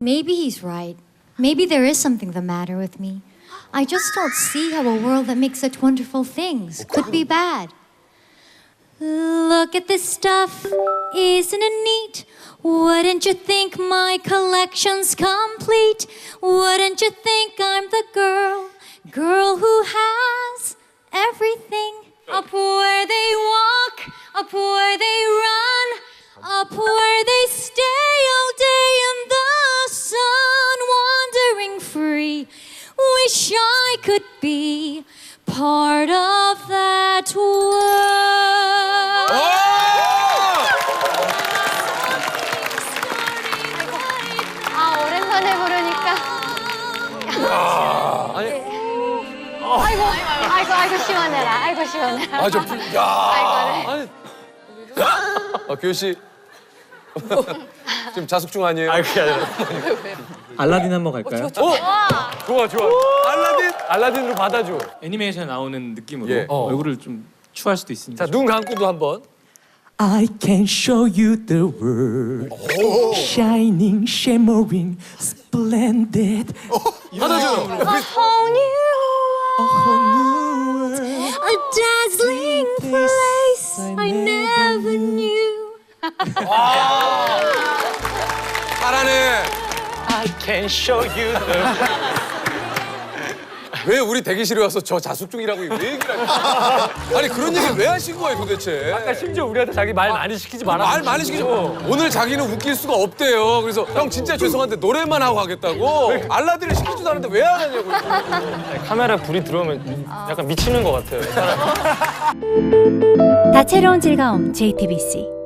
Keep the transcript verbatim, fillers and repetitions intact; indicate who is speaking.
Speaker 1: maybe he's right. Maybe there is something the matter with me. I just don't see how a world that makes such wonderful things could be bad. Look at this stuff, isn't it neat? Wouldn't you think my collection's complete? Wouldn't you think I'm the girl, girl who has everything? Up where they walk, up where they run, up where they stay all day in the sun, wandering free. Wish I could be part of that world.
Speaker 2: 아, 오랜만에 부르니까.
Speaker 3: 아니,
Speaker 2: 아이고, 아이고, 아이고, 시원해라. 아이고, 시원해라.
Speaker 3: 아, 저, 야.
Speaker 2: 아이고,
Speaker 3: 아니. 아, 규현 씨. 지금 자숙 중 아니에요?
Speaker 4: 아, 그게 아니라.
Speaker 5: 알라딘 한번 갈까요?
Speaker 3: 어? 좋아, 좋아. 알라딘? 알라딘으로 받아줘.
Speaker 5: 애니메이션에 나오는 느낌으로
Speaker 3: 예. 어.
Speaker 5: 얼굴을 좀 추할 수도 있으니까.
Speaker 3: 자, 눈 감고도 한번.
Speaker 6: I can show you the world. Shining, shimmering, splendid.
Speaker 3: 받아줘요.
Speaker 2: A whole new world. A dazzling place I never knew.
Speaker 3: 잘하네.
Speaker 4: I can show you the...
Speaker 3: 왜 우리 대기실에 와서 저 자숙 중이라고 왜 얘기를 하냐? 아니 그런 얘기 왜 하신 거예요 도대체?
Speaker 4: 아까 심지어 우리한테 자기 말 많이 시키지 마라.
Speaker 3: 말 많이 시키죠. 오늘 자기는 웃길 수가 없대요. 그래서 형 진짜 죄송한데 노래만 하고 가겠다고. 알라딘을 시키지도 않는데 왜 안 하냐고.
Speaker 4: 카메라 불이 들어오면 약간 미치는 것 같아요.
Speaker 7: 다채로운 즐거움 제이티비씨